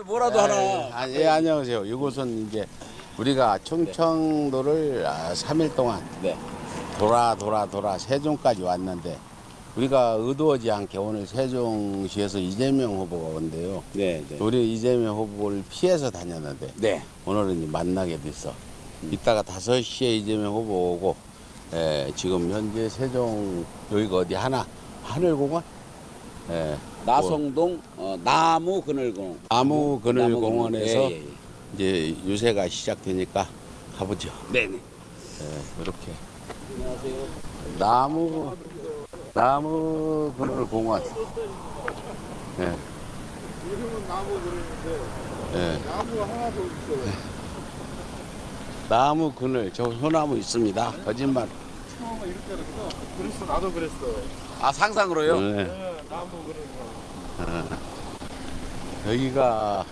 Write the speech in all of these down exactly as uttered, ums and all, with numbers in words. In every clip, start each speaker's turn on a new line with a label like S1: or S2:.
S1: 뭐라도
S2: 아,
S1: 하나.
S2: 아, 예, 안녕하세요. 이곳은 이제 우리가 충청도를 삼 일 동안
S1: 네.
S2: 돌아 돌아 돌아 세종까지 왔는데 우리가 의도하지 않게 오늘 세종시에서 이재명 후보가 온대요.
S1: 네, 네.
S2: 우리 이재명 후보를 피해서 다녔는데
S1: 네.
S2: 오늘은 이제 만나게 됐어. 이따가 다섯 시에 이재명 후보 오고 예, 지금 현재 세종 여기가 어디 하나 하늘공원? 예,
S1: 나성동 어, 나무 그늘공.
S2: 나무 그늘
S1: 나무
S2: 공원에서
S1: 예, 예, 예.
S2: 이제 유세가 시작되니까 가보죠.
S1: 네네.
S2: 예, 이렇게
S1: 안녕하세요.
S2: 나무 나무 그늘 공원. 예.
S3: 요즘은 나무 그러는데
S2: 예.
S3: 나무가 하나도 없어요.
S2: 나무 그늘 저 소나무 있습니다. 거짓말.
S3: 처음에 이렇게 그랬어. 그랬어 나도 그랬어.
S1: 아 상상으로요?
S2: 네.
S3: 네, 나무 그러는 거.
S2: 여기가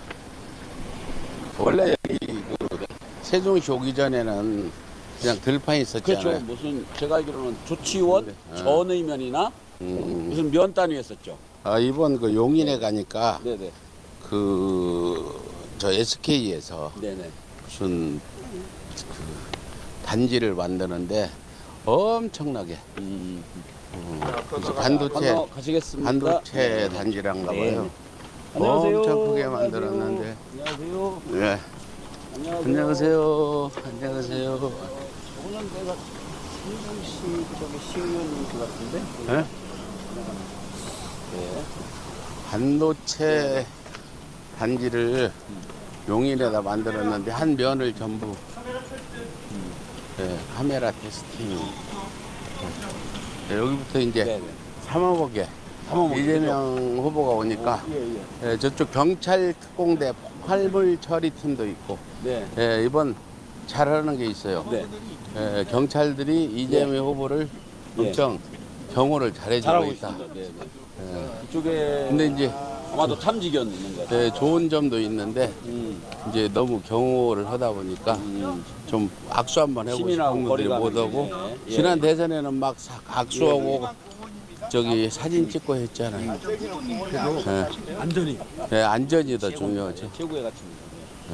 S2: 원래 여기 그 세종시 오기 전에는 그냥 들판이 있었잖아요.
S1: 그렇죠. 무슨 제가 알기로는 조치원
S2: 네.
S1: 전의면이나
S2: 음.
S1: 무슨 면 단위였었죠.
S2: 아, 이번 그 용인에 가니까
S1: 네네.
S2: 그 저 에스케이에서
S1: 네네.
S2: 무슨 그 단지를 만드는데 엄청나게
S1: 음.
S2: 음, 그래서 반도체
S1: 건너 가시겠습니다.
S2: 반도체
S1: 네.
S2: 단지란가
S1: 네.
S2: 봐요.
S1: 안녕하세요.
S2: 엄청 크게 만들었는데.
S1: 안녕하세요.
S2: 네.
S1: 안녕하세요.
S2: 안녕하세요. 안녕하세요.
S1: 오늘 내가 신동시 저기 시의원님 그 같은데.
S2: 네?
S1: 네.
S2: 반도체 단지를 용인에다 만들었는데 한 면을 전부 네, 카메라 테스팅. 네, 여기부터 이제
S1: 네네.
S2: 삼호복에
S1: 삼호복이죠.
S2: 이재명 후보가 오니까
S1: 예, 예.
S2: 예, 저쪽 경찰 특공대 폭발물 처리팀도 있고
S1: 네.
S2: 예, 이번 잘하는 게 있어요.
S1: 네.
S2: 예, 경찰들이 이재명 후보를
S1: 예.
S2: 엄청 경호를 잘해주고
S1: 잘하고
S2: 있다.
S1: 있습니다. 네, 네.
S2: 예.
S1: 이쪽에
S2: 근데 이제
S1: 아마도 탐지견 있는 것 같아요.
S2: 예, 좋은 점도 있는데
S1: 음,
S2: 이제 너무 경호를 하다 보니까
S1: 음.
S2: 좀 악수 한번 해보고
S1: 시민하고
S2: 싶은 분들이
S1: 거리감이
S2: 못 오고
S1: 있네. 예.
S2: 지난 대선에는 막 사- 악수하고 저기 사진 찍고 했잖아요. 예.
S1: 안전이
S2: 예, 안전이 더 중요하지.
S1: 최고의 가치입니다.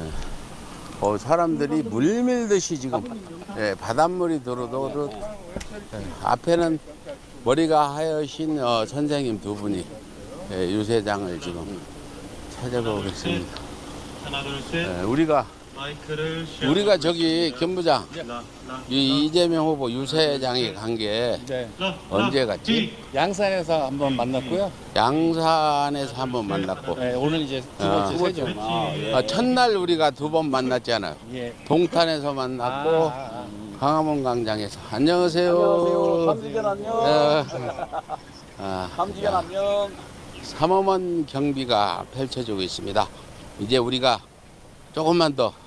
S2: 어, 사람들이 물 밀듯이 지금 예, 바닷물이 들어도 예, 앞에는 머리가 하여신 어, 선생님 두 분이 예, 유세장을 지금 찾아보겠습니다.
S4: 하나 둘셋
S2: 예, 우리가
S4: 마이크를
S2: 우리가 저기 김부장
S4: 라, 라,
S2: 이 이재명 후보 유세장에 간 게
S5: 네,
S4: 라,
S2: 언제
S4: 라,
S2: 갔지?
S5: 양산에서 한번 만났고요.
S2: 양산에서 한번 만났고
S5: 네, 오늘 이제 두
S2: 아.
S5: 번째 세죠.
S1: 아, 예.
S2: 어, 첫날 우리가 두 번 만났잖아요.
S5: 예.
S2: 동탄에서 만났고
S5: 아, 아,
S2: 광화문 광장에서 안녕하세요.
S1: 안녕하세요. 탐지견 안녕.
S2: 네. 아,
S1: 탐지견 안녕.
S2: 삼엄한 경비가 펼쳐지고 있습니다. 이제 우리가 조금만 더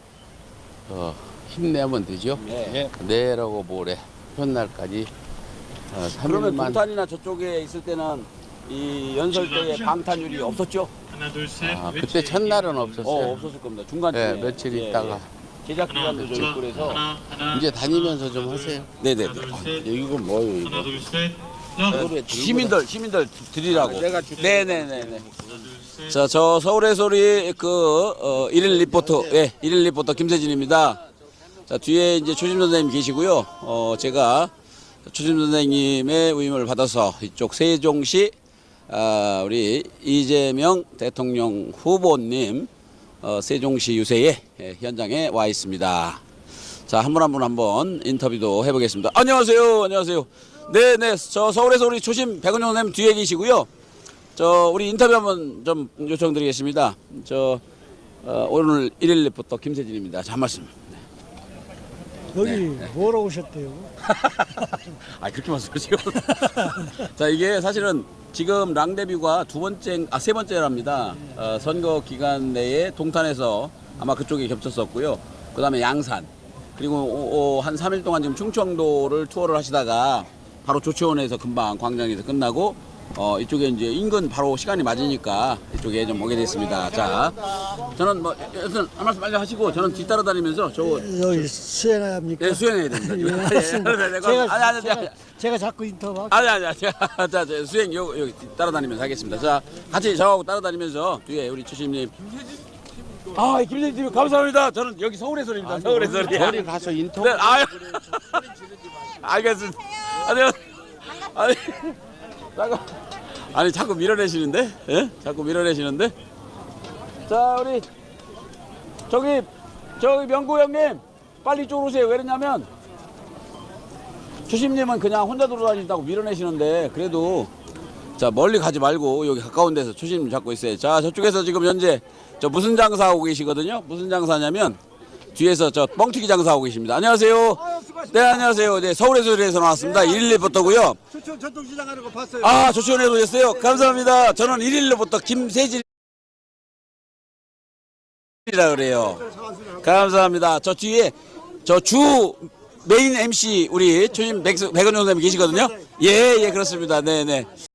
S2: 어, 힘내면 되죠.
S1: 네.
S5: 예.
S2: 내일하고 모레 첫날까지 어,
S1: 그러면
S2: 삼 일만
S1: 동탄이나 저쪽에 있을 때는 이 연설 때에 방탄율이 없었죠?
S4: 하나 둘셋
S2: 아, 그때 첫날은 없었어요.
S1: 어, 없었을 겁니다. 중간쯤에.
S2: 네, 며칠
S1: 예,
S2: 있다가
S1: 예. 제작 기간도 좀 있고 그래서.
S4: 하나 하나
S2: 이제 다니면서 좀 하세요.
S1: 네네네.
S2: 이거 뭐예요
S4: 하나
S2: 이거?
S4: 둘셋 라,
S2: 하루에 들고
S1: 시민들, 시민들 드리라고.
S2: 내가 줄게.
S1: 네네네네. 자, 저 서울의 소리 그 어, 일일 리포터, 예, 일일 리포터 김세진입니다. 자, 뒤에 이제 초심 선생님 계시고요. 어, 제가 초심 선생님의 위임을 받아서 이쪽 세종시 아, 우리 이재명 대통령 후보님 어, 세종시 유세의 예, 현장에 와 있습니다. 자, 한 분 한 분 한번 인터뷰도 해보겠습니다. 안녕하세요, 안녕하세요. 네네, 저 서울에서 우리 초심 백은영 선생님 뒤에 계시고요. 저 우리 인터뷰 한번 좀 요청드리겠습니다. 저 어, 오늘 일일 리포터 김세진입니다. 자, 한 말씀.
S6: 여기 뭐로 오셨대요?
S1: 아, 그렇게 말씀하시고. 자, 이게 사실은 지금 랑데뷰가 두 번째, 아, 세 번째랍니다. 어, 선거 기간 내에 동탄에서 아마 그쪽에 겹쳤었고요. 그 다음에 양산. 그리고 한 삼 일 동안 지금 충청도를 투어를 하시다가 바로 조치원에서 금방 광장에서 끝나고 어, 이쪽에 이제 인근 바로 시간이 맞으니까 이쪽에 좀 오게 됐습니다. 자, 저는 뭐 여튼 한 말씀 빨리 하시고 저는 뒤따라 다니면서 저
S6: 여기 수행해야 합니까?
S1: 예, 수행해야 됩니다.
S6: 예,
S1: 예,
S6: 맞습니다.
S1: 예, 예,
S6: 제가,
S1: 아니, 아니, 아니,
S6: 제가,
S1: 아니.
S6: 제가 자꾸 인터뷰
S1: 아니 아니 아니. 자, 자, 수행 요 여기 따라다니면서 하겠습니다. 자, 같이 저하고 따라다니면서 뒤에 우리 주심님. 아, 김재진 감사합니다. 저는 여기 서울의 소리입니다. 서울의 소리.
S2: 저리 가서 인터뷰.
S1: 네, 아유. 알겠습니다. 아니, 아니, 잠깐. 아니 자꾸 밀어내시는데? 예? 자꾸 밀어내시는데? 자, 우리 저기 저기 명구 형님 빨리 이쪽으로 오세요. 왜 그러냐면 주심님은 그냥 혼자 돌아다닌다고 밀어내시는데 그래도 자 멀리 가지 말고 여기 가까운 데서 주심님 잡고 있어요. 자, 저쪽에서 지금 현재 저 무슨 장사하고 계시거든요. 무슨 장사냐면 뒤에서 저 뻥튀기 장사하고 계십니다. 안녕하세요. 네, 안녕하세요. 네, 서울의 소리에서 나왔습니다. 일일부터고요.
S3: 추천 전통시장 하는 거 봤어요.
S1: 아, 조치원에 오셨어요. 감사합니다. 저는 일일부터 김세진이라 그래요. 감사합니다. 저 뒤에 저 주 메인 엠씨 우리 초심 백은 선생님 계시거든요. 예, 예, 그렇습니다. 네, 네.